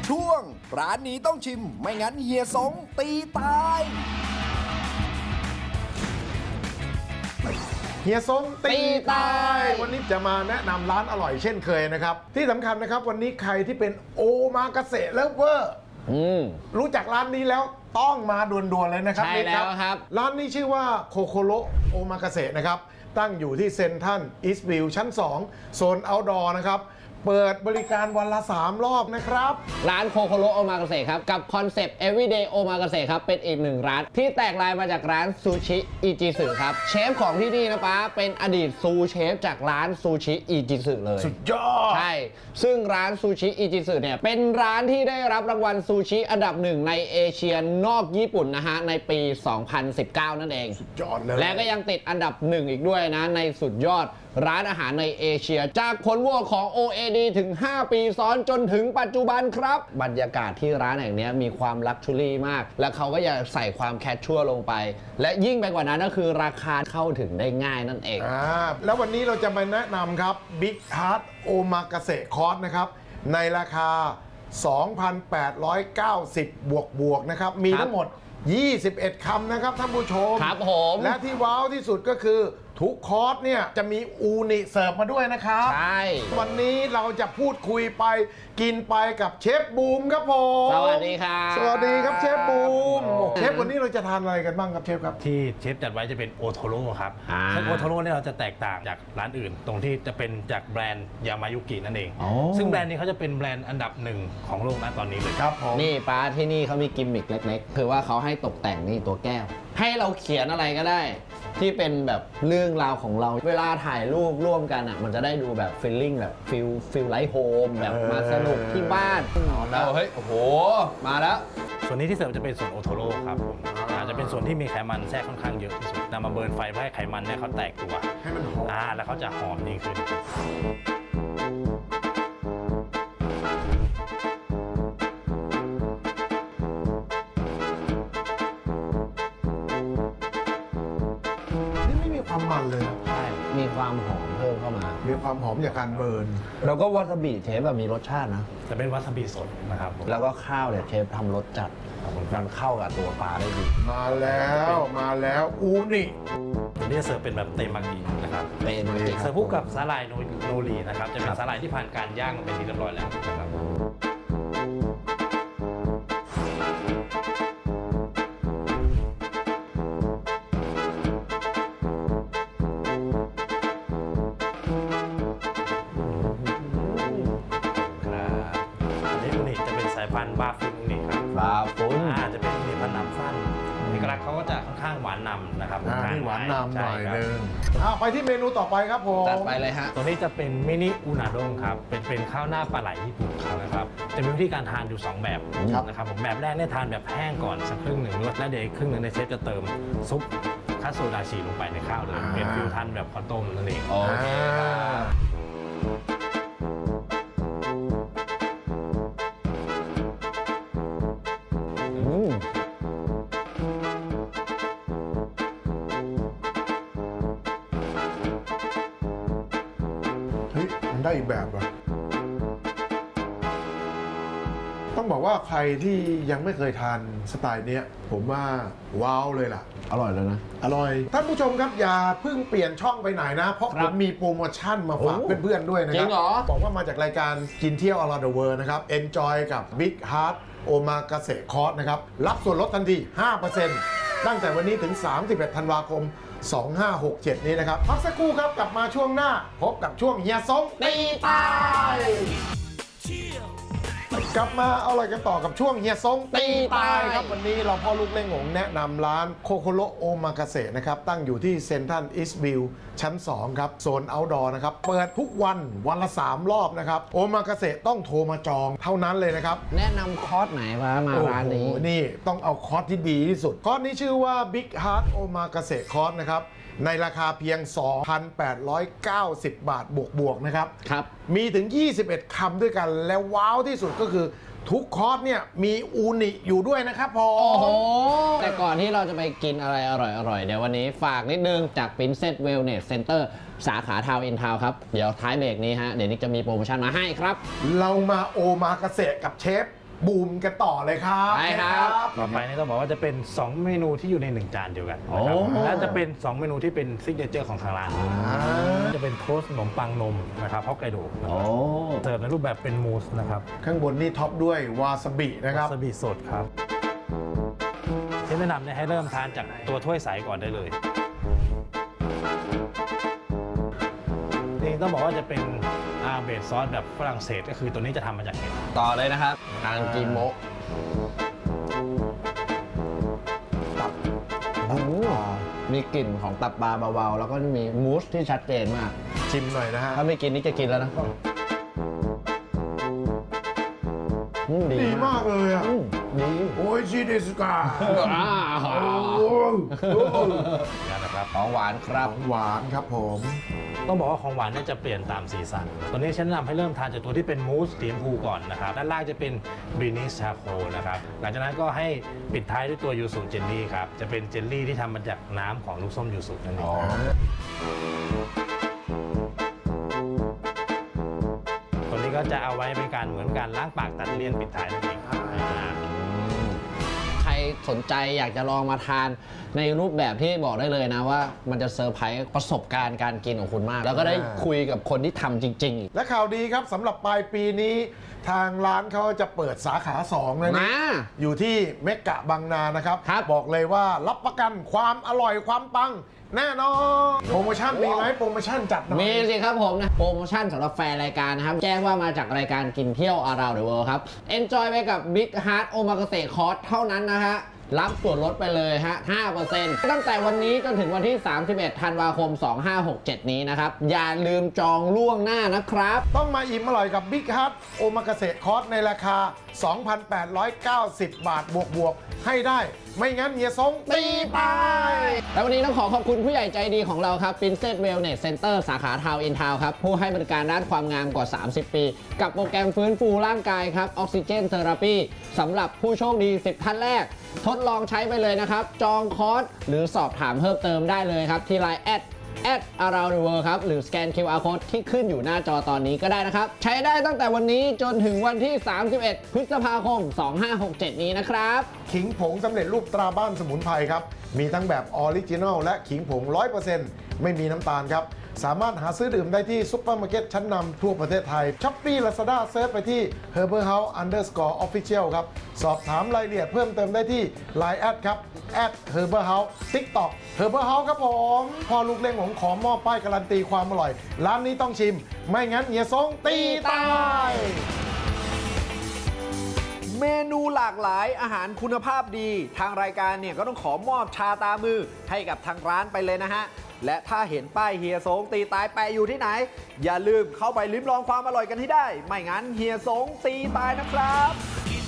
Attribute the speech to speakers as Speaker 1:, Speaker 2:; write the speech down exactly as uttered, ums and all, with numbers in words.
Speaker 1: ช่วงร้านนี้ต้องชิมไม่งั้นเฮียสงตีตาย
Speaker 2: เฮียซงตีตายวันนี้จะมาแนะนำร้านอร่อยเช่นเคยนะครับที่สำคัญนะครับวันนี้ใครที่เป็นโอมากาเสะเลิฟเวอร์รู้จักร้านนี้แล้วต้องมาด่วนๆเลยนะครับ
Speaker 3: ใช่แล้วครับ
Speaker 2: ร้านนี้ชื่อว่าโคโคโรโอมากาเสะนะครับตั้งอยู่ที่เซ็นทรัลอีสต์วิวชั้นสองโซนเอาท์ดอร์นะครับเปิดบริการวันละสามรอบนะครับ
Speaker 3: ร้านโคโคโรโอมากาเสะครับกับคอนเซปต์ everyday โอมากาเสะครับเป็นอีกหนึ่งร้านที่แตกลายมาจากร้านซูชิอิจิสึครับเชฟของที่นี่นะป๊าเป็นอดีตซูเชฟจากร้านซูชิอิจิสึเลย
Speaker 2: สุดยอด
Speaker 3: ใช่ซึ่งร้านซูชิอิจิสึเนี่ยเป็นร้านที่ได้รับรางวัลซูชิอันดับหนึ่งในเอเชียนอกญี่ปุ่นนะฮะในปี สองพันสิบเก้า นั่นเอง
Speaker 2: สุดยอดเลย
Speaker 3: และก็ยังติดอันดับหนึ่งอีกด้วยนะในสุดยอดร้านอาหารในเอเชียจากผลโหวตของ โอ เอ ดี ถึง ห้า ปีซ้อนจนถึงปัจจุบันครับบรรยากาศที่ร้านแห่งนี้มีความลักชัวรี่มากและเขาก็อยากใส่ความแคชชัวร์ลงไปและยิ่งไปกว่านั้นก็คือราคาเข้าถึงได้ง่ายนั่นเอง
Speaker 2: อ่าแล้ววันนี้เราจะมาแนะนำครับ Big Heart Omakase Course นะครับในราคา สองพันแปดร้อยเก้าสิบ บวกบวกนะครับมีทั้งหมดยี่สิบเอ็ดคำนะครับท่านผู้ชม
Speaker 3: ครับผม
Speaker 2: และที่ว้าวที่สุดก็คือทุกคอร์สเนี่ยจะมีอูนิเสิร์ฟมาด้วยนะครับ
Speaker 3: ใช่
Speaker 2: วันนี้เราจะพูดคุยไปกินไปกับเชฟบูมครับผม
Speaker 3: สวัสดีครับ
Speaker 2: สวัสดีครับเชฟบูมเชฟวันนี้เราจะทานอะไรกันบ้างครับเชฟครับ
Speaker 4: ที่เชฟจัดไว้จะเป็นโอโทโร่ครับซึ่งโอโทโร่เนี่ยเราจะแตกต่างจากร้านอื่น ตรงที่จะเป็นจากแบรนด์ยามายุกินั่นเองซึ่งแบรนด์นี้เขาจะเป็นแบรนด์อันดับหนึ่งของโลกนะตอนนี้เลย
Speaker 2: ครับผม
Speaker 3: นี่ป้าที่นี่เขามีกิมมิคเล็กๆคือว่าเขาให้ตกแต่งนี่ตัวแก้วให้เราเขียนอะไรก็ได้ที่เป็นแบบเรื่องราวของเราเวลาถ่ายรูปร่วมกันอ่ะมันจะได้ดูแบบฟีลลิ่งแบบฟิลฟิลไลท์โฮมแบบมาสนุกที่บ้านเราเฮ้ยโอ้โหมาแล้ว
Speaker 4: ส่วนนี้ที่เสิร์ฟจะเป็นส่วนโอโทโร่ครับผมอาจจะเป็นส่วนที่มีไขมันแทรกค่อนข้างเยอะที่สุดนำมาเบิร์นไฟเพื่อให้ไขมันเนี่ยเขาแตกตัว
Speaker 2: ให้มันหอม
Speaker 4: อ่าแล้วเขาจะหอมยิ่งขึ้น
Speaker 2: ความมันเลย
Speaker 3: ใช่มีความหอมเพิ่มเข้ามา
Speaker 2: มีความหอมจากการเบิร์น
Speaker 3: แล้วก็วาซาบิเชฟแบบมีรสชาตินะ
Speaker 4: จะเป็นวาซาบิสดนะครับ
Speaker 3: แล้วก็ข้าวเนี่ยเชฟทำรสจัดมันเข้ากับตัวปลาได้ดี
Speaker 2: มาแล้วมาแล้วอูนิ
Speaker 4: ตัวนี้จะเสิร์ฟเป็นแบบเตมากินะครับ
Speaker 3: เตมากิ
Speaker 4: เสิร์ฟคู่กับสาหร่ายโนรีนะครับจะเป็นสาหร่ายที่ผ่านการย่างเป็นที่เรียบร้อยแล้วนะครับพันบาฟุนนี่ครับ
Speaker 3: บาฟุน
Speaker 4: อาจจะเป็นมีพันน้ำสั้นเอกลักษณ์เขาก็จะค่อนข้างหวานนำนะครับ
Speaker 2: หวานนำหน่อยนึงไปที่เมนูต่อไปครับผม
Speaker 3: จัดไปเลยฮะ
Speaker 4: ตัวนี้จะเป็นมินิอุนาด้งครับเป็นเป็นข้าวหน้าปลาไหลญี่ปุ่นนะครับจะมีวิธีการทานอยู่สองแบบนะครับผมแบบแรกเนี่ยทานแบบแห้งก่อนสักครึ่งหนึ่งแล้วเดี๋ยวครึ่งหนึ่งในเชฟจะเติมซุปคัตสึดาชิลงไปในข้าวเลยเป็นฟิวทันแบบข้าวต้มนั่นเอง
Speaker 3: โอเค
Speaker 2: เฮ้ยมันได้อีกแบบเหรอต้องบอกว่าใครที่ยังไม่เคยทานสไตล์นี้ผมว่าว้าวเลยล่ะ
Speaker 3: อร่อยเลยนะ
Speaker 2: อร่อยท่านผู้ชมครับอย่าเพิ่งเปลี่ยนช่องไปไหนนะเพราะผมมีโปรโมชั่นมาฝากเพื่อนๆด้วยนะครับบอกว่ามาจากรายการกินเที่ยว Around the World นะครับ Enjoy กับ Big Heart Omakase Course นะครับรับส่วนลดทันที ห้าเปอร์เซ็นต์ ตั้งแต่วันนี้ถึงสามสิบเอ็ดธันวาคมสองห้าหกเจ็ดนี้นะครับพักสักครู่ครับกลับมาช่วงหน้าพบกับช่วงเฮียซงตีตายกลับมาเอาอะไรกันต่อกับช่วงเฮียซงตีตายครับวันนี้เราพ่อลูกเล่งหงแนะนำร้านโคโคโรโอมากาเสะนะครับตั้งอยู่ที่เซ็นทรัลอีสต์วิวชั้นสองครับโซนเอาท์ดอร์นะครับเปิดทุกวันวันละสามรอบนะครับโอมากาเสะต้องโทรมาจองเท่านั้นเลยนะครับ
Speaker 3: แนะนำคอร์สไหนมามาร้านนี้
Speaker 2: นี่ต้องเอาคอร์สที่ดีที่สุดคอร์สนี้ชื่อว่า Big Heart Omakase Course นะครับในราคาเพียง สองพันแปดร้อยเก้าสิบ บาทบวกๆนะครับ
Speaker 3: ครับ
Speaker 2: มีถึงยี่สิบเอ็ดคำด้วยกันแล้วว้าวที่สุดก็คือทุกคอร์สเนี่ยมีอูนิอยู่ด้วยนะครับพอ
Speaker 3: โอ้โหแต่ก่อนที่เราจะไปกินอะไรอร่อยๆเดี๋ยววันนี้ฝากนิดนึงจาก Princess Wellness Center สาขาทาวน์อินทาวน์ครับเดี๋ยวท้ายเบรกนี้ฮะเดี๋ยวนิกจะมีโปรโมชั่นมาให้ครับ
Speaker 2: เรามาโอมากาเสะกับเชฟบูมกันต่อเลยครับ
Speaker 3: ไปครับ
Speaker 4: ต่อไปนี่ต้องบอกว่าจะเป็น สอง เมนูที่อยู่ในหนึ่งจานเดียวกันนะครับ
Speaker 3: โอ้
Speaker 4: และจะเป็น สอง เมนูที่เป็นซิกเนเจอร์ของทางร้าน
Speaker 2: อ่า
Speaker 4: จะเป็นโทสต์ขนมปังนมนะครับฮอกไกโดนะ
Speaker 3: โอ้
Speaker 4: ครับเสิร์ฟในรูปแบบเป็นมูสนะครับ
Speaker 2: ข้างบนนี่ท็อปด้วยวาซาบินะครับ
Speaker 4: วาซาบิสดครับที่แนะนำเนี่ยให้เริ่มทานจากตัวถ้วยใสก่อนได้เลยนี่ต้องบอกว่าจะเป็นอาเบสซอสแบบฝรั่งเศสก็คือตัวนี้จะทำมาจากเห็ด
Speaker 3: ต่อเลยนะครับทางกิโมะตับโอ้โหมีกลิ่นของตับปลาเบาๆ แล้วก็มีมูสที่ชัดเจนมาก
Speaker 2: ชิมหน่อยนะฮะ
Speaker 3: ถ้าไม่กินนี่จะกินแล้วนะอืม
Speaker 2: ดีมากเลยอ่ะ
Speaker 3: อืมดี
Speaker 2: โอ้ยชิเดสกา
Speaker 3: อ่า
Speaker 2: โอ้ย
Speaker 4: นะครับ
Speaker 3: ของหวานครับ
Speaker 2: หวานครับผม
Speaker 4: ต้องบอกว่าของหวานเนี่ยจะเปลี่ยนตามสีสันตัวนี้ฉันแนะนำให้เริ่มทานจากตัวที่เป็นมูสสีชมพูก่อนนะครับด้านล่างจะเป็นบรินิชชาโคนะครับหลังจากนั้นก็ให้ปิดท้ายด้วยตัวยูสุเจลลี่ครับจะเป็นเจลลี่ที่ทำมาจากน้ำของลูกส้มยูสุนั่นเอง ตัวนี้ก็จะเอาไว้เป็นการเหมือนการล้างปากตัดเลี่ยนปิดท้ายนั่นเองอ่า
Speaker 3: ใครสนใจอยากจะลองมาทานในรูปแบบที่บอกได้เลยนะว่ามันจะเซอร์ไพรส์ประสบการณ์การกินของคุณมาก แล้วก็ได้คุยกับคนที่ทำจริงๆอีก
Speaker 2: และข่าวดีครับสำหรับปลายปีนี้ ทางร้านเขาจะเปิดสาขาสองนะ
Speaker 3: มา
Speaker 2: นี่อยู่ที่เมกะบางนานะครับ
Speaker 3: ครับ
Speaker 2: บอกเลยว่ารับประกันความอร่อยความปัง แน่นอนโปรโมชั่นมีไหมโปรโมชั่นจัดหน่อย
Speaker 3: มีสิครับผมนะ โปรโมชั่นสำหรับแฟนรายการนะครับ แจ้งว่ามาจากรายการกินเที่ยว Around the World ครับ Enjoy ไปกับ Big Heart Omakase Course เท่านั้นนะฮะ รับส่วนลดไปเลยฮะ ห้าเปอร์เซ็นต์ ตั้งแต่วันนี้จนถึงวันที่ สามสิบเอ็ด ธันวาคม สองห้าหกเจ็ด นี้นะครับ อย่าลืมจองล่วงหน้านะครับ
Speaker 2: ต้องมาอิ่มอร่อยกับ Big Heart โอมากาเสะคอร์สในราคา สองพันแปดร้อยเก้าสิบ บาทบวกบวกๆให้ได้ ไม่งั้นเฮียซงตีตาย
Speaker 3: และวันนี้ต้องขอขอบคุณผู้ใหญ่ใจดีของเราครับ Princess Wellness Center สาขาทาวน์อินทาวน์ครับ ผู้ให้บริการด้านความงามกว่า สามสิบ ปี กับโปรแกรมฟื้นฟูร่างกายครับออกซิเจนเทอราปีสำหรับผู้โชคดี สิบ ท่านแรก ทดลองใช้ไปเลยนะครับ จองคอร์สหรือสอบถามเพิ่มเติมได้เลยครับ ที่ ไลน์ แอด แอด around the world ครับ หรือสแกน คิว อาร์ Code ที่ขึ้นอยู่หน้าจอตอนนี้ก็ได้นะครับ ใช้ได้ตั้งแต่วันนี้จนถึงวันที่ สามสิบเอ็ด พฤษภาคม สองห้าหกเจ็ด นี้นะครับ
Speaker 2: ขิงผงสำเร็จรูปตราบ้านสมุนไพรครับ มีทั้งแบบออริจินอลและขิงผง ร้อยเปอร์เซ็นต์ ไม่มีน้ำตาลครับ สามารถหาซื้อดื่มได้ที่ซุปเปอร์มาร์เก็ตชั้นนำทั่วประเทศไทย Shopee Lazada เซิร์ชไปที่ Herbal House underscore official ครับ สอบถามรายละเอียดเพิ่มเติมได้ที่ ไลน์ แอดครับ แอด Herbal House TikTok Herbal House ครับผมพอลูกเล่งผมขอมอบป้ายการันตีความอร่อย ร้านนี้ต้องชิม ไม่งั้นเฮียซงตีตาย
Speaker 1: เมนูหลากหลายอาหารคุณภาพดี ทางรายการเนี่ยก็ต้องขอมอบชาตามือให้กับทางร้านไปเลยนะฮะ และถ้าเห็นป้ายเฮียสงตีตายแปะอยู่ที่ไหน อย่าลืมเข้าไปลิ้มลองความอร่อยกันให้ได้ ไม่งั้นเฮียสงตีตายนะครับ